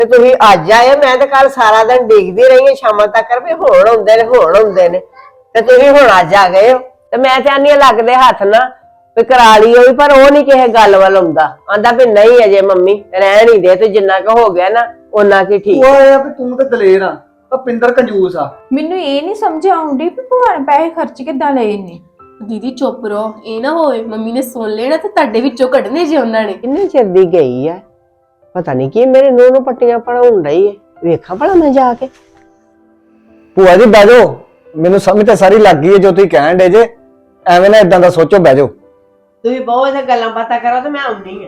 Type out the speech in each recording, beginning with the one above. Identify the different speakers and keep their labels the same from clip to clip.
Speaker 1: ਤੇ ਤੁਸੀਂ ਅੱਜ ਆਏ, ਮੈਂ ਤਾਂ ਕੱਲ ਸਾਰਾ ਦਿਨ ਦੇਖਦੀ ਰਹੀ ਹਾਂ ਸ਼ਾਮਾਂ ਤੱਕ ਵੀ ਹੁਣ ਆਉਂਦੇ ਨੇ ਤੇ ਤੁਸੀਂ ਹੁਣ ਅੱਜ ਆ ਗਏ ਹੋ। ਤੇ ਮੈਂ ਚਾਹਨੀ ਲੱਗਦੇ ਹੱਥ ਨਾ ਵੀ ਕਰਾ ਲਈ ਹੋਈ, ਪਰ ਉਹ ਨਹੀਂ ਕਿਸੇ ਗੱਲ ਵੱਲ ਆਂਦਾ ਵੀ ਨਹੀਂ ਅਜੇ ਮੰਮੀ ਰਹਿਣ ਹੀ ਦੇ, ਤੇ ਜਿੰਨਾ ਕੁ ਹੋ ਗਿਆ ਨਾ ਉਹਨਾਂ ਕੀ ਠੀਕ।
Speaker 2: ਉਹ ਆ ਵੀ ਤੂੰ ਤੇ ਦਲੇਰ ਆ, ਪਿੰਦਰ ਕੰਜੂਸ ਆ।
Speaker 3: ਮੈਨੂੰ ਇਹ ਨਹੀਂ ਸਮਝ ਆਉਂਦੀ ਵੀ ਭੂਆ ਨੇ ਪੈਸੇ ਖਰਚ ਕਿੱਦਾਂ ਲਏ ਨੇ।
Speaker 4: ਦੀਦੀ ਚੁੱਪ ਰਹੋ, ਇਹ ਨਾ ਹੋਵੇ ਮੰਮੀ ਨੇ ਸੁਣ ਲੈਣਾ ਤੇ ਤੁਹਾਡੇ ਵਿੱਚੋਂ ਕੱਢਨੇ ਜੇ ਉਹਨਾਂ ਨੇ।
Speaker 1: ਕਿੰਨੇ ਚਿਰ ਦੀ ਗਈ ਆ, ਪਤਾ ਨਹੀਂ ਕੀ ਮੇਰੇ ਨੂੰਹ ਨੂੰ ਪੱਟੀਆਂ ਪੜਾਉਣ ਰਹੀ ਹੈ, ਵੇਖਾਂ ਭਲਾ ਮੈਂ ਜਾ ਕੇ।
Speaker 2: ਭੂਆ ਜੀ ਬਹਿ ਜਾਓ, ਮੈਨੂੰ ਸਮਝ ਤਾਂ ਸਾਰੀ ਲੱਗ ਗਈ ਹੈ ਜੋ ਤੁਸੀਂ ਕਹਿਣ ਡੇ ਜੇ। ਐਵੇਂ ਨਾ ਇਦਾਂ ਦਾ ਸੋਚੋ, ਬਹਿ ਜਾਓ।
Speaker 1: ਤੁਸੀਂ ਬਹੁਤ ਗੱਲਾਂ ਬਾਤਾਂ ਕਰੋ ਤੇ ਮੈਂ ਆਉਣੀ ਆ।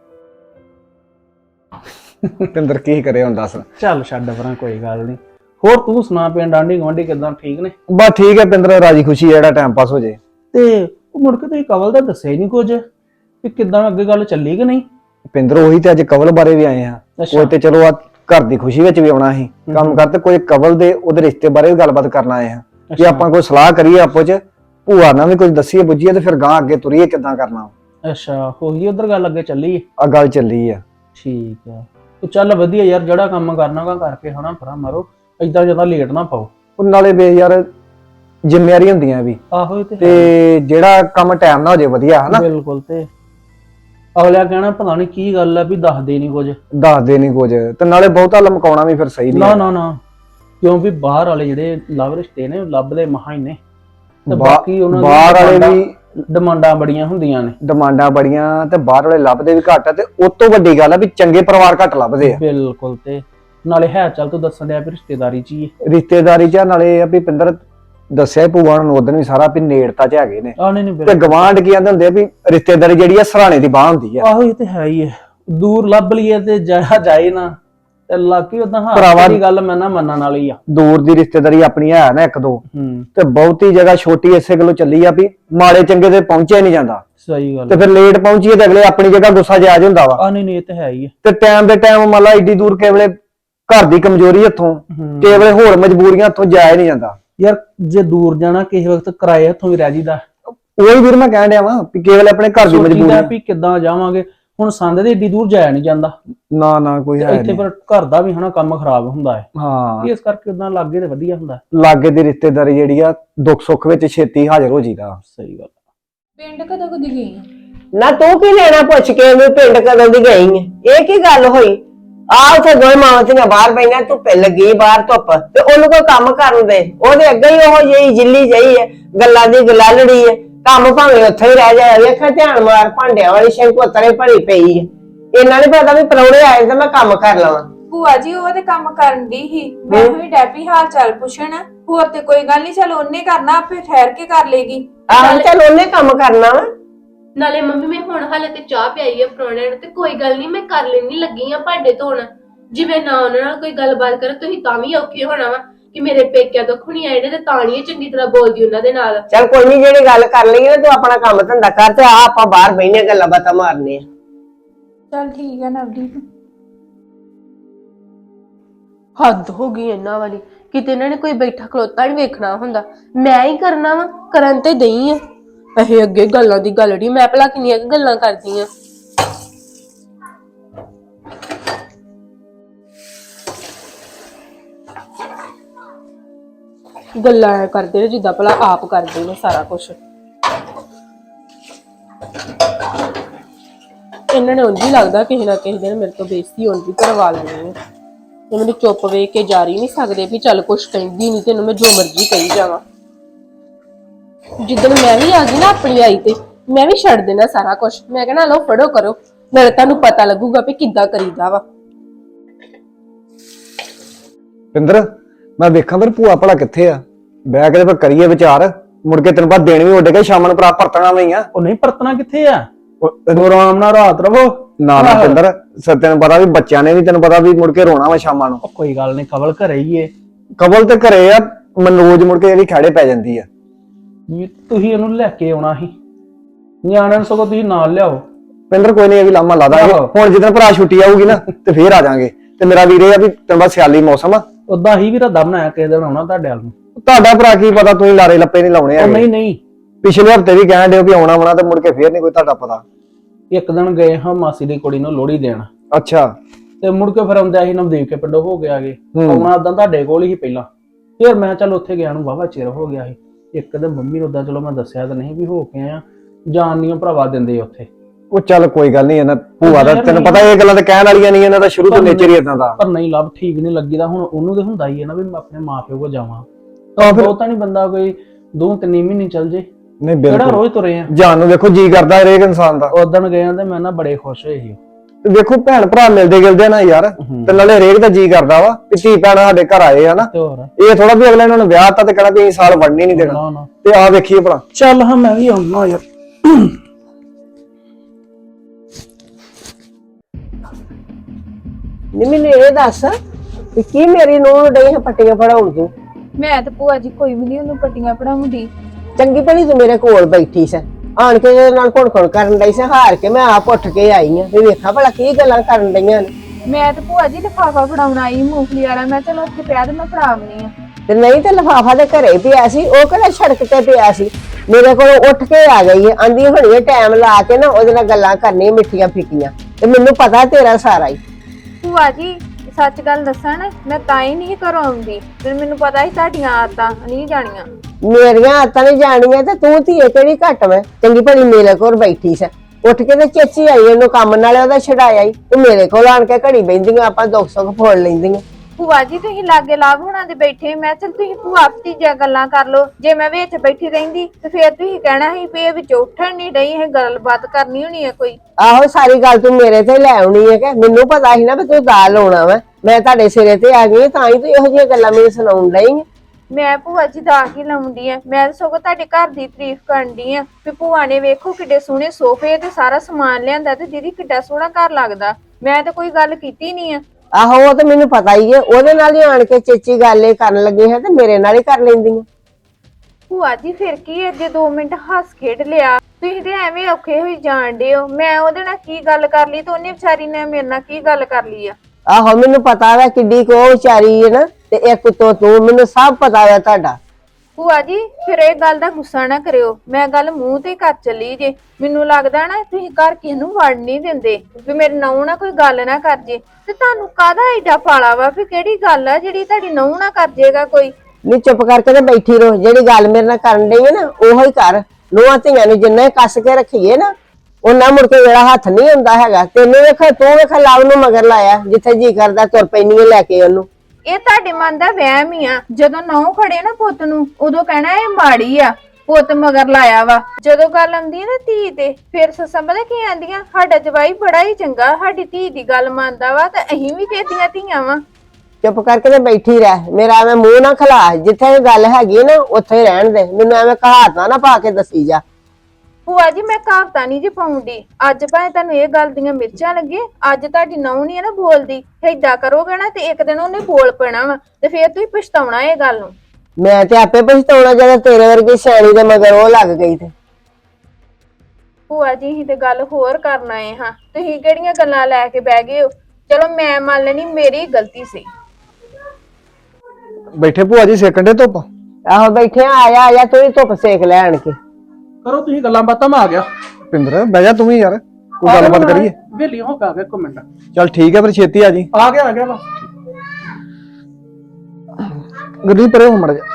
Speaker 2: ਪਿੰਦਰ ਕੀ ਕਰੇ ਹੁਣ ਦੱਸ।
Speaker 5: ਚੱਲ ਛੱਡ ਪਰਾਂ, ਕੋਈ ਗੱਲ ਨਹੀਂ। ਹੋਰ ਤੂੰ ਸੁਣਾ, ਪਿੰਡ ਆਂਢੀ ਗੁਆਂਢੀ ਕਿਦਾਂ, ਠੀਕ ਨੇ?
Speaker 2: ਬਸ ਠੀਕ ਹੈ ਪਿੰਦਰ, ਰਾਜੀ ਖੁਸ਼ੀ ਜਿਹੜਾ ਟਾਈਮ ਪਾਸ ਹੋ ਜੇ।
Speaker 5: ਤੇ ਉਹ ਮੁੜ ਕੇ ਤੁਸੀਂ ਕਵਲ ਦਾ ਦੱਸਿਆ ਹੀ ਨਹੀਂ ਕੁਝ ਕਿ ਕਿਦਾਂ ਅੱਗੇ ਗੱਲ ਚੱਲੀ ਕਿ ਨਹੀਂ।
Speaker 2: ਪਿੰਦਰ ਉਹੀ ਤੇ ਅੱਜ ਕਵਲ ਬਾਰੇ ਵੀ ਆਏ ਆ।
Speaker 5: ਅੱਛਾ।
Speaker 2: ਉਹ ਤੇ ਚਲੋ ਆ ਘਰ ਦੀ ਖੁਸ਼ੀ ਵਿੱਚ ਵੀ ਆਉਣਾ ਸੀ ਕੰਮ ਕਰਤੇ, ਕੋਈ ਕਵਲ ਦੇ ਉਹਦੇ ਰਿਸ਼ਤੇ ਬਾਰੇ ਵੀ ਗੱਲਬਾਤ ਕਰਨ ਆਏ ਆ ਕਿ ਆਪਾਂ ਕੋਈ ਸਲਾਹ ਕਰੀਏ ਆਪੋ ਚ, ਭੂਆ ਨਾਲ ਵੀ ਕੁਝ ਦੱਸੀਏ ਬੁੱਝੀਏ ਤੇ ਫਿਰ ਗਾਂ ਅੱਗੇ ਤੁਰੀਏ ਕਿੱਦਾਂ ਕਰਨਾ।
Speaker 5: ਅੱਛਾ, ਹੋਈ ਉਧਰ ਗੱਲ ਅੱਗੇ ਚੱਲੀ।
Speaker 2: ਆ ਗੱਲ ਚੱਲੀ ਆ।
Speaker 5: ਠੀਕ ਆ, ਉਹ ਚੱਲ ਵਧੀਆ ਯਾਰ, ਜਿਹੜਾ ਕੰਮ ਕਰਨਾ ਗਾ ਕਰਕੇ ਹਨਾ ਪਰਾਂ ਮਾਰੋ, ਏਦਾਂ ਜਿਆਦਾ ਲੇਟ ਨਾ ਪਾਓ।
Speaker 2: ਉਹ ਨਾਲੇ ਵੇ ਯਾਰ ਜ਼ਿੰਮੇਵਾਰੀ ਹੁੰਦੀਆਂ ਵੀ,
Speaker 5: ਆਹੋ
Speaker 2: ਤੇ ਜਿਹੜਾ ਕੰਮ ਟਾਈਮ ਨਾਲ ਹੋ ਜੇ ਵਧੀਆ ਹਨਾ।
Speaker 5: ਬਿਲਕੁਲ। ਤੇ ਅਗਲਿਆ ਕਹਿਣਾ ਪਤਾ ਨਹੀਂ ਕੀ ਗੱਲ ਆ ਵੀ ਦੱਸਦੇ ਨਹੀਂ ਕੁਝ।
Speaker 2: ਦੱਸਦੇ ਨਹੀਂ ਕੁਝ, ਤੇ ਨਾਲੇ ਬਹੁਤਾ ਲਮਕਾਉਣਾ ਵੀ ਫਿਰ ਸਹੀ ਨਹੀਂ।
Speaker 5: ਨਾ ਕਿਉਂ ਵੀ ਬਾਹਰ ਵਾਲੇ ਜਿਹੜੇ ਲਵ ਰਿਸ਼ਤੇ ਨੇ ਲੱਭਦੇ ਮਹਾ ਹੀ ਨੇ, ਤੇ ਬਾਕੀ ਉਹਨਾਂ
Speaker 2: ਬਾਹਰ ਵਾਲੇ ਵੀ
Speaker 5: ਡਿਮਾਂਡਾਂ ਬੜੀਆਂ ਹੁੰਦੀਆਂ ਨੇ।
Speaker 2: ਡਿਮਾਂਡਾਂ ਬੜੀਆਂ, ਤੇ ਬਾਹਰ ਵਾਲੇ ਲੱਭਦੇ ਵੀ ਘੱਟ ਆ, ਤੇ ਉਸ ਤੋਂ ਵੱਡੀ ਗੱਲ ਆ ਵੀ ਚੰਗੇ ਪਰਿਵਾਰ ਘੱਟ ਲੱਭਦੇ ਆ।
Speaker 5: ਬਿਲਕੁਲ। ਤੇ ਨਾਲੇ ਹੈ ਚੱਲ ਤੂੰ ਦੱਸਣ ਡਿਆ ਵੀ ਰਿਸ਼ਤੇਦਾਰੀ ਚ ਹੀ
Speaker 2: ਰਿਸ਼ਤੇਦਾਰੀ ਚ ਨਾਲੇ ਇਹ ਆ ਵੀ ਪਿੰਦਰ ਦੱਸਿਆ ਭੂਆ ਨੂੰ ਉਦੋਂ ਵੀ ਸਾਰਾ ਵੀ ਨੇੜਤਾ ਚ ਹੈਗੇ ਨੇ।
Speaker 5: ਆ ਨਹੀਂ
Speaker 2: ਤੇ ਗਵਾਂਢ ਕੀ ਆਂਦੇ ਹੁੰਦੇ ਆ ਵੀ ਰਿਸ਼ਤੇਦਾਰੀ ਜਿਹੜੀ ਆ ਸਰਾਣੇ ਦੀ ਬਾਹ ਹੁੰਦੀ ਆ।
Speaker 5: ਆਹੋ ਇਹ ਤੇ ਹੈ ਹੀ ਹੈ, ਦੂਰ ਲੱਭ ਲਈਏ ਤੇ ਜਾਏ ਨਾ, ਤੇ ਲਾਕੀ ਉਦਾਂ
Speaker 2: ਭਰਾਵਾਂ
Speaker 5: ਦੀ ਗੱਲ ਮੈਂ ਨਾ ਮੰਨਣ ਵਾਲੀ ਆ।
Speaker 2: ਦੂਰ ਦੀ ਰਿਸ਼ਤੇਦਾਰੀ ਆਪਣੀ ਹੈ ਨਾ ਇੱਕ ਦੋ, ਤੇ ਬਹੁਤੀ ਜਗ੍ਹਾ ਛੋਟੀ ਇਸੇ ਗੱਲੋਂ ਚੱਲੀ ਆ ਵੀ ਮਾੜੇ ਚੰਗੇ ਤੇ ਪਹੁੰਚਿਆ ਨਹੀਂ ਜਾਂਦਾ।
Speaker 5: ਸਹੀ ਗੱਲ।
Speaker 2: ਤੇ ਫਿਰ ਲੇਟ ਪਹੁੰਚੀਏ ਤੇ ਅਗਲੇ ਆਪਣੀ ਜਗ੍ਹਾ ਗੁੱਸਾ ਜਾਇਜ਼ ਹੁੰਦਾ ਵਾ।
Speaker 5: ਆ ਨਹੀਂ ਇਹ ਤੇ ਹੈ ਹੀ ਹੈ।
Speaker 2: ਤੇ ਟਾਈਮ ਦੇ ਟਾਈਮ ਮੰਨ ਲਾ ਏਡੀ ਦੂਰ ਕੇਵਲੇ ਘਰ ਦੀ ਕਮਜ਼ੋਰੀ ਹੱਥੋਂ, ਕੇਵਲੇ ਹੋਰ ਮਜਬੂਰੀਆਂ ਹੱਥੋਂ ਜਾਇਆ ਨਹੀਂ ਜਾਂਦਾ।
Speaker 5: ਯਾਰ ਜੇ ਦੂਰ ਜਾਣਾ ਕਿਸੇ ਵਕਤ ਕਿਰਾਏ ਹੱਥੋਂ ਵੀ ਰਹਿ ਜੀਦਾ।
Speaker 2: ਉਹੀ ਵੀਰ ਮੈਂ ਕਹਿਣ ਡਿਆ ਵਾਂ ਵੀ ਕੇਵਲ ਆਪਣੇ ਘਰ ਦੀ ਮਜਬੂਰੀ
Speaker 5: ਵੀ ਕਿੱਦਾਂ ਜਾਵਾਂਗੇ ਹੁਣ, ਸੰਦ ਦੇ ਏਡੀ ਦੂਰ ਜਾਇਆ ਨਹੀਂ ਜਾਂਦਾ।
Speaker 2: ਨਾ ਕੋਈ ਹੈ
Speaker 5: ਇੱਥੇ ਫਿਰ ਘਰ ਦਾ ਵੀ ਹਨਾ ਕੰਮ ਖਰਾਬ ਹੁੰਦਾ ਹੈ।
Speaker 2: ਹਾਂ,
Speaker 5: ਇਸ ਕਰਕੇ ਉਦਾਂ ਲਾਗੇ ਤੇ ਵਧੀਆ ਹੁੰਦਾ।
Speaker 2: ਲਾਗੇ ਦੀ ਰਿਸ਼ਤੇਦਾਰੀ ਜਿਹੜੀ ਆ ਦੁੱਖ ਸੁੱਖ ਵਿੱਚ ਛੇਤੀ ਹਾਜ਼ਰ ਹੋ ਜੀਦਾ।
Speaker 5: ਸਹੀ ਗੱਲ।
Speaker 3: ਪਿੰਡ ਕਦੋਂ ਕਦੀ ਗਈ ਆ?
Speaker 1: ਨਾ ਤੂੰ ਕੀ ਲੈਣਾ ਪੁੱਛ ਕੇ ਵੀ ਪਿੰਡ ਕਦੋਂ ਦੀ ਗਈ ਹੈ, ਇਹ ਕੀ ਗੱਲ ਹੋਈ? ਆ ਉਥੇ ਦੋਵੇਂ ਮਾਵਾਂ ਧੀਆਂ ਬਾਹਰ ਬੈਠੀਆਂ, ਧੁੱਪੇ ਲੱਗੀ ਬਾਹਰ ਧੁੱਪ, ਤੇ ਉਹਨੂੰ ਕੋਈ ਕੰਮ ਕਰਨ ਦੇ, ਉਹਦੇ ਅੱਗੇ ਹੀ ਉਹ ਜਿਹੀ ਜਿੱਲੀ ਜਈ ਹੈ, ਗੱਲਾਂ ਦੀ ਗਲਾਲੜੀ ਹੈ। ਕੰਮ ਭਾਵੇਂ ਉੱਥੇ ਹੀ ਰਹਿ ਜਾਏ, ਵੇਖਾ ਧਿਆਨ ਮਾਰ ਭਾਂਡਿਆਂ ਵਾਲੀ ਸ਼ੰਕੋਤਰੇ ਭਰੀ ਪਈ ਹੈ। ਇਹਨਾਂ ਨੇ ਪਤਾ ਵੀ ਪਰੌਣੇ ਆਏ ਤਾਂ ਮੈਂ ਕੰਮ ਕਰ ਲਵਾਂ।
Speaker 3: ਭੂਆ ਜੀ ਉਹ ਤੇ ਕੰਮ ਕਰਨ ਦੀ ਹੀ, ਮੈਂ ਵੀ ਡੈਪੀ ਹਾਲ ਚਾਲ ਪੁੱਛਣ। ਹੋਰ ਤੇ ਕੋਈ ਗੱਲ ਨਹੀਂ, ਚਲ ਉਹਨੇ ਕਰਨਾ, ਆਪੇ ਠਹਿਰ ਕੇ ਕਰ ਲੇਗੀ।
Speaker 1: ਆਹ ਚੱਲ ਉਹਨੇ ਕੰਮ ਕਰਨਾ ਵਾ।
Speaker 4: ਨਾਲੇ ਮੰਮੀ ਮੈਂ ਹੁਣ ਹਾਲੇ ਤੇ ਚਾਹ ਪਿਆਈ ਆ ਪ੍ਰਾਹੁਣਿਆਂ ਨੂੰ, ਤੇ ਕੋਈ ਗੱਲ ਨਹੀਂ ਮੈਂ ਕਰ ਲੈਣੀ ਲੱਗੀ ਆ ਭਾਂਡੇ ਧੋਣ। ਜਿਵੇਂ ਨਾ ਉਹਨਾਂ ਨਾਲ ਕੋਈ ਗੱਲਬਾਤ ਕਰੋ ਤੁਸੀਂ ਤਾਂ ਵੀ ਔਖੇ ਹੋਣਾ ਵਾ ਕਿ ਮੇਰੇ ਪੇਕਿਆਂ ਤੋਂ ਖੁਣੀ ਆਏ ਨੇ ਤੇ ਤਾਂ ਨਹੀਂ ਚੰਗੀ ਤਰ੍ਹਾਂ ਬੋਲਦੀ ਉਹਨਾਂ ਦੇ ਨਾਲ।
Speaker 1: ਚੱਲ ਕੋਈ ਨਹੀਂ, ਜਿਹੜੀ ਗੱਲ ਕਰ ਲਈ ਨਾ ਤੂੰ ਆਪਣਾ ਕੰਮ ਧੰਦਾ ਕਰ, ਤੇ ਆ ਆਪਾਂ ਬਾਹਰ ਬਹਿਨੇ ਗੱਲਾਂ ਬਾਤਾਂ ਮਾਰਨੇ ਆ।
Speaker 3: ਚਲ ਠੀਕ ਹੈ ਨਵਦੀਪ।
Speaker 4: ਹੱਦ ਹੋ ਗਈ ਇਹਨਾਂ ਵਾਲੀ, ਕਿਤੇ ਇਹਨਾਂ ਨੇ ਕੋਈ ਬੈਠਾ ਖਲੋਤਾ ਨਹੀਂ ਵੇਖਣਾ ਹੁੰਦਾ, ਮੈਂ ਹੀ ਕਰਨਾ ਵਾ, ਕਰਨ ਤੇ ਦਈ ਆ। ਇਹ ਅੱਗੇ ਗੱਲਾਂ ਦੀ ਗੱਲੜੀ, ਮੈਂ ਭਲਾ ਕਿੰਨੀਆਂ ਗੱਲਾਂ ਕਰਦੀ ਆ। ਗੱਲਾਂ ਕਰਦੇ ਨੇ ਜਿੱਦਾਂ ਭਲਾ ਆਪ ਕਰਦੇ ਨੇ ਸਾਰਾ ਕੁਝ। ਇਹਨਾਂ ਨੇ ਉਂਝ ਹੀ ਲੱਗਦਾ ਕਿਸੇ ਨਾ ਕਿਸੇ ਦਿਨ ਮੇਰੇ ਤੋਂ ਬੇਇੱਜ਼ਤੀ ਉਂਝ ਹੀ ਕਰਵਾ ਲੈਣੀ ਹੈ। ਤੇ ਮੈਨੂੰ ਚੁੱਪ ਵੇਖ ਕੇ ਜਾ ਹੀ ਨਹੀਂ ਸਕਦੇ ਵੀ ਚੱਲ ਕੁਛ ਕਹਿੰਦੀ ਨਹੀਂ, ਤੈਨੂੰ ਮੈਂ ਜੋ ਮਰਜ਼ੀ ਕਹੀ ਜਾਵਾਂ। ਜਿੱਦਣ ਮੈਂ ਵੀ ਆ ਗਈ ਨਾ ਆਪਣੀ ਆਈ ਤੇ ਮੈਂ ਵੀ ਛੱਡ ਦੇਣਾ ਸਾਰਾ ਕੁਝ। ਮੈਂ ਕਹਿਣਾ ਲਓ ਫੜੋ ਕਰੋ, ਨਾਲੇ ਤੁਹਾਨੂੰ ਪਤਾ ਲੱਗੂਗਾ ਵੀ ਕਿੱਦਾਂ ਕਰੀਦਾ ਵਾ।
Speaker 2: ਪਿੰਦਰ ਮੈਂ ਵੇਖਾਂ ਫਿਰ ਭੂਆ ਭਲਾ ਕਿੱਥੇ ਆ, ਬਹਿ ਕੇ ਫਿਰ ਕਰੀਏ ਵਿਚਾਰ। ਮੁੜ ਕੇ ਤੈਨੂੰ ਬਾਅਦ ਦੇਣ ਵੀ ਉੱਡ ਕੇ ਸ਼ਾਮ ਨੂੰ ਭਰਾ ਪਰਤਣਾ ਨਹੀਂ ਆ।
Speaker 5: ਉਹ ਨਹੀਂ ਪਰਤਣਾ ਕਿੱਥੇ ਆ, ਉਹ ਆਰਾਮ ਨਾਲ ਰਾਤ ਰਵੋ।
Speaker 2: ਨਾ ਪਿੰਦਰ, ਤੈਨੂੰ ਪਤਾ ਵੀ ਬੱਚਿਆਂ ਨੇ ਵੀ ਤੈਨੂੰ ਪਤਾ ਵੀ ਮੁੜ ਕੇ ਰੋਣਾ ਵਾ ਸ਼ਾਮਾਂ ਨੂੰ।
Speaker 5: ਕੋਈ ਗੱਲ ਨਹੀਂ, ਕਵਲ ਘਰੇ ਹੀ ਏ।
Speaker 2: ਕਵਲ ਤੇ ਘਰੇ ਆ, ਮਨੋਜ ਮੁੜ ਕੇ ਜਿਹੜੀ ਖੜੇ ਪੈ ਜਾਂਦੀ ਆ।
Speaker 5: ਤੁਸੀਂ ਇਹਨੂੰ ਲੈ ਕੇ ਆਉਣਾ ਸੀ, ਨਿਆਣਿਆਂ ਨੂੰ ਸਗੋਂ ਤੁਸੀਂ ਨਾਲ ਲਿਆਓ।
Speaker 2: ਪਿੰਦਰ ਕੋਈ ਨਹੀਂ, ਇਹ ਵੀ ਲਾਮਾ ਲਾ ਦਾਂਗੇ। ਹੁਣ ਜਦੋਂ ਭਰਾ ਛੁੱਟੀ ਆਊਗੀ ਨਾ ਤੇ ਫੇਰ ਆ ਜਾਾਂਗੇ। ਤੇ ਮੇਰਾ ਵੀਰ ਇਹ ਆ ਵੀ ਤੈਨੂੰ ਬਸ ਸਿਆਲੀ ਮੌਸਮ ਆ,
Speaker 5: ਉਦਾਂ ਹੀ ਵੀ ਰੱਦਾ ਬਣਾਇਆ ਕਿਸੇ ਦਿਨ ਆਉਣਾ ਤੁਹਾਡੇ ਵੱਲ ਨੂੰ।
Speaker 2: ਤੁਹਾਡਾ ਭਰਾ ਕੀ ਪਤਾ, ਤੁਸੀਂ ਲਾਰੇ ਲੱਪੇ ਨਹੀਂ ਲਾਉਣੇ ਹੈਗੇ।
Speaker 5: ਨਹੀਂ
Speaker 2: ਪਿਛਲੇ ਹਫਤੇ ਵੀ ਕਹਿਣ ਦਿਓ ਵੀ ਆਉਣਾ ਤੇ ਮੁੜ ਕੇ ਫੇਰ ਨਹੀਂ ਕੋਈ ਤੁਹਾਡਾ ਪਤਾ।
Speaker 5: ਇੱਕ ਦਿਨ ਗਏ ਹਾਂ ਮਾਸੀ ਦੀ ਕੁੜੀ ਨੂੰ ਲੋਹੜੀ ਦੇਣ।
Speaker 2: ਅੱਛਾ।
Speaker 5: ਤੇ ਮੁੜ ਕੇ ਫਿਰ ਆਉਂਦਾ ਸੀ ਨਵਦੀਪ ਕੇ ਪਿੰਡੋਂ ਹੋ ਕੇ ਆ ਗਏ।
Speaker 2: ਹੂੰ।
Speaker 5: ਆਉਣਾ ਓਦਾਂ ਤੁਹਾਡੇ ਕੋਲ ਹੀ ਪਹਿਲਾਂ, ਫਿਰ ਮੈਂ ਚੱਲ ਉੱਥੇ ਗਿਆ ਨੂੰ ਵਾਹਵਾ ਚਿਰ ਹੋ ਗਿਆ ਸੀ। ਇੱਕ ਦਿਨ ਮੰਮੀ ਨੂੰ ਓਦਾਂ ਚਲੋ ਮੈਂ ਦੱਸਿਆ ਤਾਂ ਨਹੀਂ ਵੀ ਹੋ ਕੇ ਆਇਆ, ਜਾਣ ਨਹੀਂ ਭਰਾਵਾ ਦਿੰਦੇ ਉੱਥੇ।
Speaker 2: ਉਹ ਚੱਲ ਕੋਈ ਗੱਲ ਨਹੀਂ, ਇਹਨਾਂ ਭੂਆ ਦਾ
Speaker 5: ਯਾਰ
Speaker 2: ਤੈਨੂੰ
Speaker 5: ਨਹੀਂ।
Speaker 2: ਪਤਾ ਇਹ ਗੱਲਾਂ ਤੇ ਕਹਿਣ ਵਾਲੀਆਂ ਨਹੀਂ, ਇਹਨਾਂ ਦਾ ਸ਼ੁਰੂ ਤੋਂ
Speaker 5: ਪਰ
Speaker 2: ਨੇਚਰ ਹੀ ਇਦਾਂ ਦਾ।
Speaker 5: ਪਰ ਨਹੀਂ ਲੱਭ ਠੀਕ ਨਹੀਂ ਲੱਗੀਦਾ। ਹੁਣ ਉਹਨੂੰ ਤੇ ਹੁੰਦਾ ਹੀ ਹੈ ਨਾ ਵੀ ਮੈਂ ਆਪਣੇ ਮਾਪਿਓ ਕੋਲ ਜਾਵਾਂ,
Speaker 2: ਤਾਂ ਫਿਰ
Speaker 5: ਉਹ ਤਾਂ ਨਹੀਂ ਬੰਦਾ ਕੋਈ 2-3 ਮਹੀਨੇ ਚੱਲ ਜੇ,
Speaker 2: ਨਹੀਂ
Speaker 5: ਕਿਹੜਾ
Speaker 2: ਬਿਲਕੁਲ
Speaker 5: ਰੋਜ਼ ਤੁਰੇ ਆ।
Speaker 2: ਜਾਨ ਨੂੰ ਦੇਖੋ ਜੀ ਕਰਦਾ ਹਰੇਕ ਇਨਸਾਨ ਦਾ।
Speaker 5: ਉਦਣ ਗਏ ਆ ਤੇ ਮੈਂ ਨਾ ਬੜੇ ਖੁਸ਼ ਹੋਏ ਸੀ।
Speaker 2: ਤੇ ਦੇਖੋ ਭੈਣ ਭਰਾ ਮਿਲਦੇ ਗਿਲਦੇ ਨਾ ਯਾਰ, ਤੇ ਨਾਲੇ ਹਰੇਕ ਦਾ ਜੀ ਕਰਦਾ ਵਾ ਕਿ ਧੀ ਭੈਣ ਸਾਡੇ ਘਰ ਆਏ ਆ ਨਾ।
Speaker 5: ਤੇ ਹੋਰ
Speaker 2: ਇਹ ਥੋੜਾ ਵੀ ਅਗਲੇ ਇਹਨਾਂ ਨੂੰ ਵਿਆਹ ਤਾਂ ਤੇ ਕਹਿਣਾ ਵੀ ਅਸੀਂ ਸਾਲ ਵੜਨੀ ਨਹੀਂ ਦੇਣਾ।
Speaker 5: ਨਾ ਨਾ
Speaker 2: ਤੇ ਆਹ ਵੇਖੀਏ ਭਲਾ।
Speaker 5: ਚੱਲ ਹਾਂ ਮੈਂ ਵੀ ਆਉਣਾ ਯਾਰ।
Speaker 1: ਨਹੀਂ ਮੈਨੂੰ ਇਹ ਦੱਸ ਵੀ ਕੀ ਮੇਰੀ ਨੂੰਹ ਨੂੰ ਡਈ ਪੱਟੀਆਂ ਫੜਾਉਣ ਤੂੰ?
Speaker 3: ਮੈਂ ਤੇ ਭੂਆ ਜੀ ਕੋਈ ਵੀ ਨਹੀਂ ਉਹਨੂੰ ਪੱਟੀਆਂ ਪੜਾਉਂਦੀ।
Speaker 1: ਚੰਗੀ ਭਲੀ ਤੂੰ ਮੇਰੇ ਕੋਲ ਬੈਠੀ ਸੀ, ਆਣ ਕੇ ਇਹਦੇ ਨਾਲ ਘੁਣ ਕਰਨ ਡਈ ਸੀ, ਹਾਰ ਕੇ ਮੈਂ ਆਪ ਉੱਠ ਕੇ ਆਈ ਆ ਵੀ ਵੇਖਾਂ ਭਲਾ ਕੀ ਗੱਲਾਂ ਕਰਨ ਡਈਆਂ ਨੇ।
Speaker 3: ਮੈਂ ਤੇ ਭੂਆ ਜੀ ਲਿਫਾਫਾ ਫੜਾਉਣ ਆਈ ਮੂੰਗਫਲੀ ਵਾਲਾ, ਮੈਂ ਚਲੋ ਉੱਥੇ ਪਿਆ ਤੇ ਮੈਂ ਫੜਾਵਨੀ ਆ।
Speaker 1: ਤੇ ਨਹੀਂ ਤੇ ਲਿਫਾਫਾ ਦੇ ਘਰੇ ਹੀ ਪਿਆ ਸੀ, ਉਹ ਕਿਹੜਾ ਸੜਕ ਤੇ ਪਿਆ ਸੀ। ਮੇਰੇ ਕੋਲ ਉੱਠ ਕੇ ਆ ਗਈ ਹੈ, ਆਂਦੀ ਹੋਣੀ ਟਾਈਮ ਲਾ ਕੇ ਨਾ ਉਹਦੇ ਨਾਲ ਗੱਲਾਂ ਕਰਨੀਆਂ ਮਿੱਠੀਆਂ ਫਿੱਕੀਆਂ, ਤੇ ਮੈਨੂੰ ਪਤਾ ਤੇਰਾ ਸਾਰਾ ਹੀ।
Speaker 3: ਭੂਆ ਜੀ ਸੱਚ ਗੱਲ ਦੱਸਾਂ ਨਾ, ਮੈਂ ਤਾਂ ਹੀ ਨਹੀਂ ਘਰੋਂ ਆਉਂਦੀ, ਤੇ ਮੈਨੂੰ ਪਤਾ ਸੀ ਤੁਹਾਡੀਆਂ ਆਦਤਾਂ ਨਹੀਂ ਜਾਣੀਆਂ।
Speaker 1: ਮੇਰੀਆਂ ਆਦਤਾਂ ਨਹੀਂ ਜਾਣੀਆਂ ਤੇ ਤੂੰ ਧੀਏ ਕਿਹੜੀ ਘੱਟ ਮੈਂ, ਚੰਗੀ ਭਲੀ ਮੇਰੇ ਕੋਲ ਬੈਠੀ ਸੀ, ਉੱਠ ਕੇ ਤੇ ਚੇਚੀ ਆਈ, ਉਹਨੂੰ ਕੰਮ ਨਾਲੇ ਉਹਦਾ ਛਡਾਇਆ ਹੀ, ਤੇ ਮੇਰੇ ਕੋਲ ਆਣ ਕੇ ਘੜੀ ਬੈਂਦੀਆਂ, ਆਪਾਂ ਦੁੱਖ ਸੁੱਖ ਫੋੜ ਲੈਂਦੀਆਂ।
Speaker 3: ਭੂਆ ਜੀ ਤੁਸੀਂ ਲਾਗੇ ਲਾਭ ਹੋਣਾ ਦੇ ਬੈਠੇ, ਮੈਂ ਚਲ ਤੁਸੀਂ ਭੂਆ ਭਤੀਜਾ ਗੱਲਾਂ ਕਰ ਲੋ। ਜੇ ਮੈਂ ਵਿੱਚ ਬੈਠੀ ਰਹਿੰਦੀ ਤੇ ਫੇਰ ਤੁਸੀਂ ਕਹਿਣਾ ਸੀ ਵੀ ਇਹ ਵਿੱਚ ਉੱਠਣ ਨਹੀਂ ਡਈ, ਇਹ ਗੱਲਬਾਤ ਕਰਨੀ ਹੋਣੀ ਹੈ ਕੋਈ।
Speaker 1: ਆਹੋ ਸਾਰੀ ਗੱਲ ਤੂੰ ਮੇਰੇ ਤੇ ਲੈ ਆਉਣੀ ਹੈ ਕਿ ਮੈਨੂੰ ਪਤਾ ਸੀ ਨਾ ਵੀ ਤੂੰ ਦਾਲ ਲਾਉਣਾ ਵਾ, ਮੈਂ ਤੁਹਾਡੇ ਸਿਰੇ ਤੇ ਆ ਗਈ ਤਾਂ ਹੀ ਤੂੰ ਇਹੋ ਜਿਹੀਆਂ ਗੱਲਾਂ ਮੈਨੂੰ ਸੁਣਾਉਣ ਡਈ।
Speaker 3: ਮੈਂ ਭੂਆ ਜੀ ਦਾ ਹੀ ਲਾਉਂਦੀ ਆ, ਮੈਂ ਤਾਂ ਸਗੋਂ ਤੁਹਾਡੇ ਘਰ ਦੀ ਤਾਰੀਫ ਕਰਨੀ ਆ ਵੀ ਭੂਆ ਨੇ ਵੇਖੋ ਕਿੱਡੇ ਸੋਹਣੇ ਸੋਫੇ ਤੇ ਸਾਰਾ ਸਮਾਨ ਲਿਆਂਦਾ, ਤੇ ਦੀਦੀ ਕਿੱਡਾ ਸੋਹਣਾ ਘਰ ਲੱਗਦਾ। ਮੈਂ ਤਾਂ ਕੋਈ ਗੱਲ ਕੀਤੀ ਨਹੀਂ ਆ।
Speaker 1: ਆਹੋ ਉਹ ਤਾਂ ਮੈਨੂੰ ਪਤਾ ਹੀ ਹੈ, ਉਹਦੇ ਨਾਲ ਹੀ ਆਣ ਕੇ ਚੇਚੀ ਗੱਲ ਇਹ ਕਰਨ ਲੱਗੀ ਹੈ ਤੇ ਮੇਰੇ ਨਾਲ ਹੀ ਕਰ ਲੈਂਦੀ ਹੈ।
Speaker 3: ਭੂਆ ਜੀ ਫਿਰ ਕੀ ਹੈ, ਜੇ 2 ਮਿੰਟ ਹੱਸ ਖੇਡ ਲਿਆ, ਤੁਸੀਂ ਤੇ ਐਵੇਂ ਔਖੇ ਹੋਈ ਜਾਣਦੇ ਹੋ। ਮੈਂ ਉਹਦੇ ਨਾਲ ਕੀ ਗੱਲ ਕਰ ਲਈ ਤੇ ਉਹਨੇ ਵਿਚਾਰੀ ਨੇ ਮੇਰੇ ਨਾਲ ਕੀ ਗੱਲ ਕਰ ਲਈ ਆ।
Speaker 1: ਆਹੋ ਮੈਨੂੰ ਪਤਾ ਵਾ ਕਿੱਡੀ ਕੋ ਵਿਚਾਰੀ ਹੈ ਨਾ, ਤੇ ਇੱਕ ਤੋਂ ਤੂੰ, ਮੈਨੂੰ ਸਭ ਪਤਾ ਵਾ ਤੁਹਾਡਾ।
Speaker 3: ਭੂਆ ਜੀ ਫਿਰ ਇਹ ਗੱਲ ਦਾ ਗੁੱਸਾ ਨਾ ਕਰਿਓ, ਮੈਂ ਗੱਲ ਮੂੰਹ ਤੇ ਕਰ ਚੱਲੀ ਜੇ। ਮੈਨੂੰ ਲੱਗਦਾ ਨਾ ਤੁਸੀਂ ਘਰ ਕਿਸੇ ਨੂੰ ਵੜ ਨਹੀਂ ਦਿੰਦੇ ਵੀ ਮੇਰੇ ਨਹੁੰ ਨਾਲ ਕੋਈ ਗੱਲ ਨਾ ਕਰ ਜੇ, ਤੇ ਤੁਹਾਨੂੰ ਕਾਹਦਾ ਐਡਾ ਪਾਲਾ ਵਾ ਵੀ ਕਿਹੜੀ ਗੱਲ ਆ ਜਿਹੜੀ ਤੁਹਾਡੀ ਨਹੁੰ ਨਾ ਕਰ ਜੇਗਾ ਕੋਈ।
Speaker 1: ਨਹੀਂ ਚੁੱਪ ਕਰਕੇ ਤੇ ਬੈਠੀ ਰਹੋ, ਜਿਹੜੀ ਗੱਲ ਮੇਰੇ ਨਾਲ ਕਰਨ ਡਈ ਹੈ ਨਾ ਉਹੋ ਹੀ ਕਰ। ਨੂੰਹਾਂ ਧੀਆਂ ਨੂੰ ਜਿੰਨਾ ਕੱਸ ਕੇ ਰੱਖੀਏ ਨਾ ਉਹਨਾਂ ਮੁੜ ਕੇ ਜਿਹੜਾ ਹੱਥ ਨਹੀਂ ਹੁੰਦਾ ਹੈਗਾ। ਤੈਨੂੰ ਵੇਖ, ਤੂੰ ਵੇਖ ਲਾਭ ਨੂੰ ਮਗਰ ਲਾਇਆ, ਜਿੱਥੇ ਜੀ ਕਰਦਾ ਤੁਰ ਪੈਣੀ ਲੈ ਕੇ ਉਹਨੂੰ।
Speaker 3: ਇਹ ਤੁਹਾਡੇ ਮਨ ਦਾ ਵਹਿਮ ਹੀ ਆ। ਜਦੋਂ ਨਹੁੰ ਖੜੇ ਨਾ ਪੁੱਤ ਨੂੰ, ਉਦੋਂ ਕਹਿਣਾ ਇਹ ਮਾੜੀ ਆ, ਪੁੱਤ ਮਗਰ ਲਾਇਆ ਵਾ। ਜਦੋਂ ਗੱਲ ਆਉਂਦੀ ਹੈ ਨਾ ਧੀ ਤੇ, ਫਿਰ ਸੱਸਾਂ ਪਤਾ ਕੀ ਆਂਦੀਆਂ, ਸਾਡਾ ਜਵਾਈ ਬੜਾ ਹੀ ਚੰਗਾ, ਸਾਡੀ ਧੀ ਦੀ ਗੱਲ ਮੰਨਦਾ ਵਾ, ਤੇ ਅਸੀਂ ਵੀ ਕਿਹਦੀਆਂ ਧੀਆਂ ਵਾ।
Speaker 1: ਚੁੱਪ ਕਰਕੇ ਤੇ ਬੈਠੀ ਰਹਿ, ਮੇਰਾ ਐਵੇਂ ਮੂੰਹ ਨਾ ਖਲਾ, ਜਿੱਥੇ ਇਹ ਗੱਲ ਹੈਗੀ ਨਾ ਉੱਥੇ ਰਹਿਣ ਦੇ, ਮੈਨੂੰ ਐਵੇਂ ਕਹਾਤਾਂ ਨਾ ਪਾ ਕੇ ਦੱਸੀ ਜਾ।
Speaker 3: ਭੂਆ ਜੀ ਮੈਂ ਕਹਾਵਤਾਂ ਨਹੀਂ ਜੀ ਪਾਉਂਦੀ, ਅੱਜ ਭਾਵੇਂ ਤੁਹਾਨੂੰ ਇਹ ਗੱਲ ਦੀਆਂ ਮਿਰਚਾਂ ਲੱਗੇ, ਅੱਜ ਤੁਹਾਡੀ ਨਹੁੰ ਨਹੀਂ ਹੈ ਨਾ ਬੋਲਦੀ, ਏਦਾਂ ਕਰੋਗੇ ਨਾ ਤੇ ਇੱਕ ਦਿਨ ਉਹਨੇ ਬੋਲ ਪੈਣਾ ਵਾ, ਤੇ ਫਿਰ ਤੁਸੀਂ ਪਛਤਾਉਣਾ ਇਹ ਗੱਲ ਨੂੰ।
Speaker 1: ਮੈਂ ਤੇ ਆਪੇ ਪਛਤਾਉਣਾ ਜਦੋਂ ਤੇਰੇ ਵਰਗੀ ਸਿਆਣੀ ਦੇ ਮਗਰ ਉਹ ਲੱਗ ਗਈ ਤੇ।
Speaker 3: ਭੂਆ ਜੀ ਅਸੀਂ ਤੇ ਗੱਲ ਹੋਰ ਕਰਨ ਆਏ ਹਾਂ, ਤੁਸੀਂ ਕਿਹੜੀਆਂ ਗੱਲਾਂ ਲੈ ਕੇ ਬਹਿ ਗਏ ਹੋ। ਚਲੋ ਮੈਂ ਮੰਨ ਲੈਣੀ ਮੇਰੀ ਗਲਤੀ ਸੀ।
Speaker 2: ਬੈਠੇ ਭੂਆ ਜੀ ਸੇਕਣ ਦੇ ਧੁੱਪ।
Speaker 1: ਆਹੋ ਬੈਠੇ ਆ ਜਾ ਤੂੰ ਹੀ ਧੁੱਪ ਸੇਕ ਲੈ ਆਣ ਕੇ।
Speaker 5: ਕਰੋ ਤੁਸੀਂ ਗੱਲਾਂ ਬਾਤਾਂ, ਮੈਂ ਆ ਗਿਆ।
Speaker 2: ਪਿੰਦਰ ਬਹਿ ਜਾ ਤੂੰ ਵੀ ਯਾਰ, ਕੋਈ ਗੱਲਬਾਤ ਕਰੀਏ।
Speaker 5: ਵੇਲੀ ਹੋ ਕੇ ਆ ਗਿਆ, ਇੱਕ ਮਿੰਟ।
Speaker 2: ਚੱਲ ਠੀਕ ਹੈ ਫਿਰ ਛੇਤੀ ਆ ਜੀ।
Speaker 5: ਆ ਗਿਆ ਬਸ।
Speaker 2: ਗੱਡੀ ਪਰੇ ਹੋ ਮੜ ਜਾ।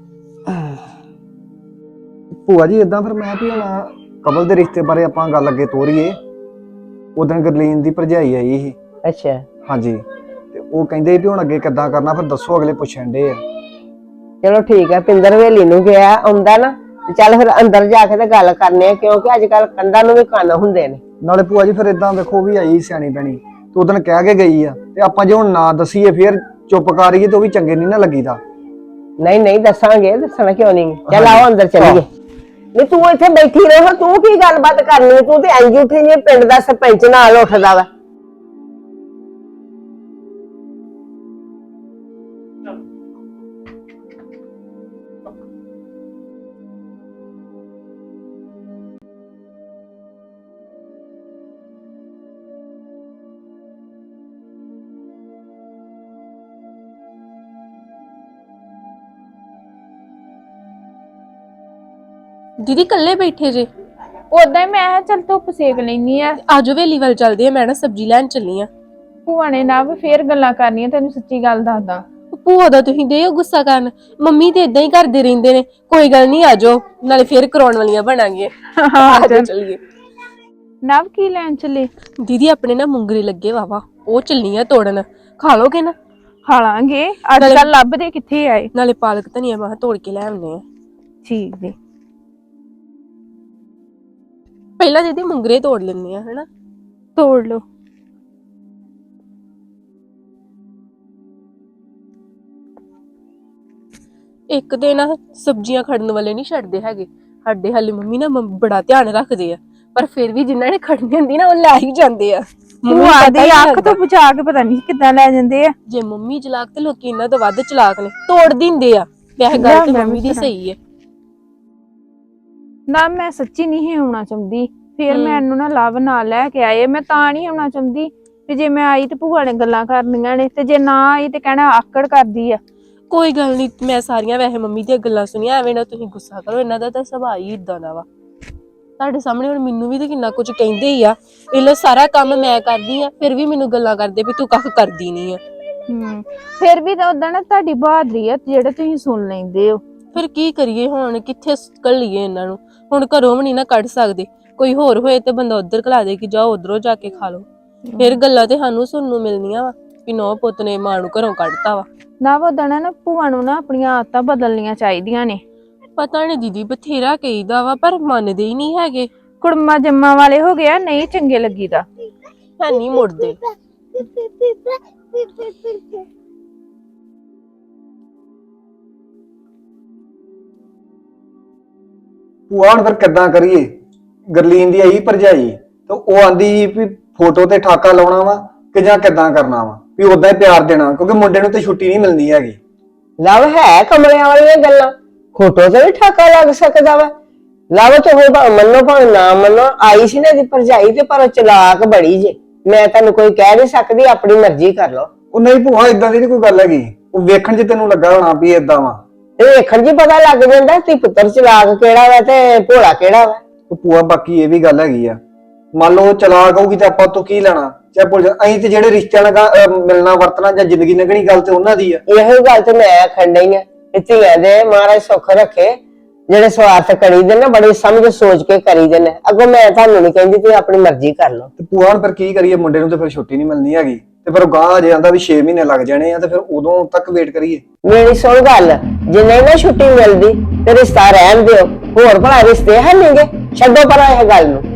Speaker 2: ਭੂਆ ਜੀ ਇਦਾਂ ਫਿਰ ਮੈਂ ਵੀ ਹੁਣ ਕਬਲ ਦੇ ਰਿਸ਼ਤੇ ਬਾਰੇ ਆਪਾਂ ਗੱਲ ਅੱਗੇ ਤੋਰੀਏ। ਉਦੋਂ ਗਰਲੀਨ ਦੀ ਭਰਜਾਈ ਆਈ ਸੀ।
Speaker 1: ਅੱਛਾ
Speaker 2: ਹਾਂਜੀ, ਤੇ ਉਹ ਕਹਿੰਦੇ ਵੀ ਹੁਣ ਅੱਗੇ ਕਿੱਦਾਂ ਕਰਨਾ, ਫਿਰ ਦੱਸੋ, ਅਗਲੇ ਪੁੱਛਣ ਦੇ ਆ।
Speaker 1: ਚਲੋ ਠੀਕ ਹੈ, ਪਿੰਦਰ ਹਵੇਲੀ ਨੂੰ ਗਿਆ ਆਉਂਦਾ ਨਾ, ਤੇ ਚੱਲ ਫਿਰ ਅੰਦਰ ਜਾ ਕੇ ਤੇ ਗੱਲ ਕਰਨੇ ਆ, ਕਿਉਂਕਿ ਅੱਜ ਕੱਲ ਕੰਧਾਂ ਨੂੰ ਵੀ ਕੰਨ ਹੁੰਦੇ ਨੇ।
Speaker 2: ਨਾਲੇ ਭੂਆ ਜੀ ਫਿਰ ਇਦਾਂ ਵੇਖੋ ਵੀ ਆਈ ਸਿਆਣੀ ਪੈਣੀ, ਤੇ ਉਦੋਂ ਕਹਿ ਕੇ ਗਈ ਆ, ਤੇ ਆਪਾਂ ਜੇ ਹੁਣ ਨਾ ਦਸੀਏ ਫਿਰ ਚੁੱਪ ਕਰੀਏ ਤੇ ਉਹ ਵੀ ਚੰਗੇ ਨਹੀਂ ਨਾ ਲੱਗੀਦਾ।
Speaker 1: ਨਹੀਂ ਦੱਸਾਂਗੇ, ਦੱਸਣਾ ਕਿਉਂ ਨਹੀਂ। ਚੱਲ ਆਓ ਅੰਦਰ ਚੱਲੀਏ। ਨਹੀਂ ਤੂੰ ਇੱਥੇ ਬੈਠੀ ਰਹੋ, ਤੂੰ ਕੀ ਗੱਲਬਾਤ ਕਰਨੀ, ਤੂੰ ਤੇ ਇੰਜ ਉੱਠੀ ਜੇ ਪਿੰਡ ਦਾ ਸਰਪੰਚ ਨਾਲ ਉੱਠਦਾ ਵਾ।
Speaker 6: ਦੀਦੀ ਕੱਲੇ ਬੈਠੇ ਜੇ?
Speaker 3: ਉਦਾਂ ਹੀ ਮੈਂ ਕਿਹਾ ਚੱਲ ਧੁੱਪ ਸੇਕ ਲੈਣੀ ਆ।
Speaker 6: ਆਜੋ ਵੇਲੀ ਵੱਲ ਚੱਲਦੇ ਆ, ਮੈਂ ਨਾ ਸਬਜ਼ੀ ਲੈਣ ਚੱਲੀ ਆ।
Speaker 3: ਭੂਆ ਨੇ ਨਾ ਫੇਰ ਗੱਲਾਂ ਕਰਨੀਆਂ, ਤੈਨੂੰ ਸੱਚੀ ਗੱਲ ਦੱਸਦਾ।
Speaker 6: ਭੂਆ ਦਾ ਤੁਸੀਂ ਦੇ ਗੁੱਸਾ ਕਰਨ, ਮੰਮੀ ਤੇ ਇਦਾਂ ਹੀ ਕਰਦੇ ਰਹਿੰਦੇ ਨੇ। ਕੋਈ ਗੱਲ ਨਹੀਂ, ਆਜੋ ਨਾਲੇ ਫੇਰ ਕਰਾਉਣ ਵਾਲੀਆਂ ਬਣਾਂਗੇ। ਆਜੋ ਚੱਲੀਏ।
Speaker 3: ਨਵ ਕੀ ਲੈਣ ਚੱਲੇ?
Speaker 6: ਦੀਦੀ ਆਪਣੇ ਨਾ ਮੁੰਗਰੇ ਲੱਗੇ ਵਾਵਾ, ਉਹ ਚੱਲੀਆਂ ਤੋੜਨ। ਖਾ ਲੋਗੇ ਨਾ?
Speaker 3: ਖਾ ਲਾਂਗੇ। ਅੱਜ ਕੱਲ ਲੱਭਦੇ ਕਿੱਥੇ ਆਏ?
Speaker 6: ਨਾਲੇ ਪਾਲਕ ਧਨੀਆ ਮੈਂ ਤੋੜ ਕੇ ਲੈ ਆਉਂਦੇ ਆ।
Speaker 3: ਠੀਕ ਜੀ।
Speaker 6: ਪਹਿਲਾਂ ਦੀਦੀ ਮੁੰਗਰੇ ਤੋੜ ਲੈਂਦੇ ਆ, ਹਨਾ?
Speaker 3: ਤੋੜ ਲਓ।
Speaker 6: ਇੱਕ ਤੇ ਨਾ ਸਬਜ਼ੀਆਂ ਖੜਨ ਵਾਲੇ ਨਹੀਂ ਛੱਡਦੇ ਹੈਗੇ ਸਾਡੇ ਹਾਲੇ। ਮੰਮੀ ਨਾ ਬੜਾ ਧਿਆਨ ਰੱਖਦੇ ਆ, ਪਰ ਫਿਰ ਵੀ ਜਿਨ੍ਹਾਂ ਨੇ ਖੜਨੀ ਹੁੰਦੀ ਨਾ ਉਹ ਲੈ ਹੀ ਜਾਂਦੇ ਆ।
Speaker 3: ਭੂਆ ਦੀ ਅੱਖ ਤੋਂ ਬਚਾ ਕੇ ਪਤਾ ਨਹੀਂ ਕਿੱਦਾਂ ਲੈ ਜਾਂਦੇ ਆ।
Speaker 6: ਜੇ ਮੰਮੀ ਚਲਾਕ ਤੇ ਲੋਕੀ ਇਹਨਾਂ ਤੋਂ ਵੱਧ ਚਲਾਕ ਨੇ, ਤੋੜ ਦਿੰਦੇ ਆ। ਵੈਸੇ ਗੱਲ ਤੇ ਮੰਮੀ ਦੀ ਸਹੀ ਹੈ
Speaker 3: ਨਾ। ਮੈਂ ਸੱਚੀ ਨਹੀਂ ਆਉਣਾ ਚਾਹੁੰਦੀ, ਫਿਰ ਮੈਨੂੰ ਨਾ ਲਵ ਨਾਲ ਲੈ ਕੇ ਆਏ। ਮੈਂ ਤਾਂ ਨਹੀਂ ਆਉਣਾ ਚਾਹੁੰਦੀ ਤੇ ਜੇ ਮੈਂ ਆਈ ਤੇ ਭੂਆ ਨੇ ਗੱਲਾਂ ਕਰਨੀਆਂ ਨੇ, ਤੇ ਜੇ ਨਾ ਆਈ ਤੇ ਕਹਿਣਾ ਆਕੜ ਕਰਦੀ ਆ।
Speaker 6: ਕੋਈ ਗੱਲ ਨਹੀਂ, ਮੈਂ ਸਾਰੀਆਂ ਵੈਸੇ ਮੰਮੀ ਦੀਆਂ ਗੱਲਾਂ ਸੁਣੀਆਂ। ਐਵੇਂ ਨਾ ਤੁਸੀਂ ਗੁੱਸਾ ਕਰੋ, ਇਹਨਾਂ ਦਾ ਤਾਂ ਸੁਭਾਅ ਹੀ ਇਦਾਂ ਦਾ ਵਾ। ਤੁਹਾਡੇ ਸਾਹਮਣੇ ਹੁਣ ਮੈਨੂੰ ਵੀ ਤੇ ਕਿੰਨਾ ਕੁਝ ਕਹਿੰਦੇ ਹੀ ਆ। ਇਹ ਸਾਰਾ ਕੰਮ ਮੈਂ ਕਰਦੀ ਆ, ਫਿਰ ਵੀ ਮੈਨੂੰ ਗੱਲਾਂ ਕਰਦੇ ਵੀ ਤੂੰ ਕੱਖ ਕਰਦੀ ਨਹੀਂ ਆ।
Speaker 3: ਫਿਰ ਵੀ ਤਾਂ ਉਦਾਂ ਨਾ ਤੁਹਾਡੀ ਬਹਾਦਰੀ ਆ ਜਿਹੜੇ ਤੁਸੀਂ ਸੁਣ ਲੈਂਦੇ ਹੋ।
Speaker 6: ਫਿਰ ਕੀ ਕਰੀਏ ਹੁਣ, ਕਿੱਥੇ ਘੱਲੀਏ ਇਹਨਾਂ ਨੂੰ? ਹੁਣ ਘਰੋਂ ਵੀ ਨਹੀਂ ਨਾ ਕੱਢ ਸਕਦੇ। ਕੋਈ ਹੋਰ ਹੋਏ ਤੇ ਬੰਦਾ ਉਧਰ ਘਲਾ ਦੇ ਕਿ ਜਾਓ ਉਧਰੋਂ ਜਾ ਕੇ ਖਾ ਲਓ। ਫਿਰ ਗੱਲਾਂ ਤੇ ਸਾਨੂੰ ਸੁਣਨ ਨੂੰ ਮਿਲਣੀਆਂ ਵਾ ਵੀ ਨੌ ਪੁੱਤ ਨੇ ਮਾਂ ਨੂੰ ਘਰੋਂ ਕੱਢਤਾ ਵਾ।
Speaker 3: ਨਾ ਉਦਾਂ ਨਾ ਭੂਆ ਨੂੰ ਨਾ ਆਪਣੀਆਂ ਆਦਤਾਂ ਬਦਲਣੀਆਂ ਚਾਹੀਦੀਆਂ ਨੇ।
Speaker 6: ਪਤਾ ਨਹੀਂ ਦੀਦੀ, ਬਥੇਰਾ ਕਹੀਦਾ ਵਾ ਪਰ ਮੰਨਦੇ ਹੀ ਨਹੀਂ ਹੈਗੇ।
Speaker 3: ਕੁੜਮਾ ਜੰਮਾ ਵਾਲੇ ਹੋ ਗਿਆ, ਨਹੀਂ ਚੰਗੇ ਲੱਗੀਦਾ।
Speaker 6: ਹੈ ਨਹੀਂ ਮੁੜਦੇ।
Speaker 2: ਭੂਆ ਹੁਣ ਫਿਰ ਕਿੱਦਾਂ ਕਰੀਏ? ਗਰਲੀਨ ਦੀ ਆਈ ਭਰਜਾਈ ਤੇ ਉਹ ਆਂਦੀ ਵੀ ਫੋਟੋ ਤੇ ਠਾਕਾ ਲਾਉਣਾ ਵਾ ਕਿ ਜਾਂ ਕਿੱਦਾਂ ਕਰਨਾ ਵਾ, ਵੀ ਉਦਾਂ ਹੀ ਪਿਆਰ ਦੇਣਾ, ਕਿਉਂਕਿ ਮੁੰਡੇ ਨੂੰ ਤੇ ਛੁੱਟੀ ਨਹੀਂ ਮਿਲਦੀ ਹੈਗੀ।
Speaker 1: ਲਵ ਹੈ ਕਮਲਿਆਂ ਵਾਲੀਆਂ ਗੱਲਾਂ, ਫੋਟੋ ਤੇ ਵੀ ਠਾਕਾ ਲੱਗ ਸਕਦਾ ਵਾ। ਲਵ ਤੇ ਹੋਏ ਮੰਨੋ ਭਾਵੇਂ ਨਾ ਮੰਨੋ, ਆਈ ਸੀ ਨਾ ਦੀ ਭਰਜਾਈ ਤੇ ਪਰ ਉਹ ਚਲਾਕ ਬੜੀ ਜੇ। ਮੈਂ ਤੁਹਾਨੂੰ ਕੋਈ ਕਹਿ ਨਹੀਂ ਸਕਦੀ, ਆਪਣੀ ਮਰਜ਼ੀ ਕਰ ਲਓ।
Speaker 2: ਉਹ ਨਹੀਂ ਭੂਆ, ਇਦਾਂ ਦੀ ਨੀ ਕੋਈ ਗੱਲ ਹੈਗੀ। ਉਹ ਵੇਖਣ 'ਚ ਤੈਨੂੰ ਲੱਗਾ ਹੋਣਾ ਵੀ ਏਦਾਂ ਵਾ।
Speaker 1: ਇਹ ਵੇਖਣ 'ਚ ਪਤਾ ਲੱਗ ਜਾਂਦਾ ਕਿ ਪੁੱਤਰ ਚਲਾਕ ਕਿਹੜਾ ਵਾ ਤੇ ਭੋਲਾ ਕਿਹੜਾ ਵਾ।
Speaker 2: ਉਹ ਭੂਆ ਬਾਕੀ ਇਹ ਵੀ ਗੱਲ ਹੈਗੀ ਆ, ਮੰਨ ਲਓ ਚਲਾਕ ਹੋਊਗੀ ਤੇ ਆਪਾਂ ਤੋਂ ਕੀ ਲੈਣਾ? ਚਾਹੇ ਭੁੱਲ ਜਾ, ਅਸੀਂ ਤੇ ਜਿਹੜੇ ਰਿਸ਼ਤਿਆਂ ਨਾਲ ਮਿਲਣਾ ਵਰਤਣਾ ਜਾਂ ਜ਼ਿੰਦਗੀ ਲੰਘਣੀ ਗੱਲ ਤੇ ਉਹਨਾਂ ਦੀ ਆ।
Speaker 1: ਇਹੋ ਗੱਲ ਤੇ ਮੈਂ ਆਖਣ ਡਈ ਆ, ਧੀਆਂ ਦੇ ਮਹਾਰਾਜ ਸੁੱਖ ਰੱਖੇ। ਜਿਹੜੇ ਸਵਾਰਥ ਕਰੀਦੇ ਨੇ ਬੜੀ ਸਮਝ ਸੋਚ ਕੇ ਕਰੀਦੇ ਨੇ। ਅੱਗੋਂ ਮੈਂ ਤੁਹਾਨੂੰ ਨਹੀਂ ਕਹਿੰਦੀ, ਤੁਸੀਂ ਆਪਣੀ ਮਰਜ਼ੀ ਕਰ ਲਓ।
Speaker 2: ਤੇ ਭੂਆ ਹੁਣ ਫਿਰ ਕੀ ਕਰੀਏ? ਮੁੰਡੇ ਨੂੰ ਤੇ ਫਿਰ ਛੁੱਟੀ ਨਹੀਂ ਮਿਲਣੀ ਹੈਗੀ ਤੇ ਫਿਰ ਉਹ ਗਾਂ ਜੇ ਆਂਦਾ ਵੀ 6 ਮਹੀਨੇ ਲੱਗ ਜਾਣੇ ਆ ਤੇ ਫਿਰ ਉਦੋਂ ਤੱਕ ਵੇਟ ਕਰੀਏ।
Speaker 1: ਮੇਰੀ ਸੁਣ ਗੱਲ, ਜੇ ਨਹੀਂ ਨਾ ਛੁੱਟੀ ਮਿਲਦੀ ਤੇ ਰਿਸ਼ਤਾ ਰਹਿਣ ਦਿਓ। ਹੋਰ ਭਲਾ ਰਿਸ਼ਤੇ ਹੈ ਨਹੀਂਗੇ, ਛੱਡੋ ਪਰਾਂ ਇਹ ਗੱਲ ਨੂੰ।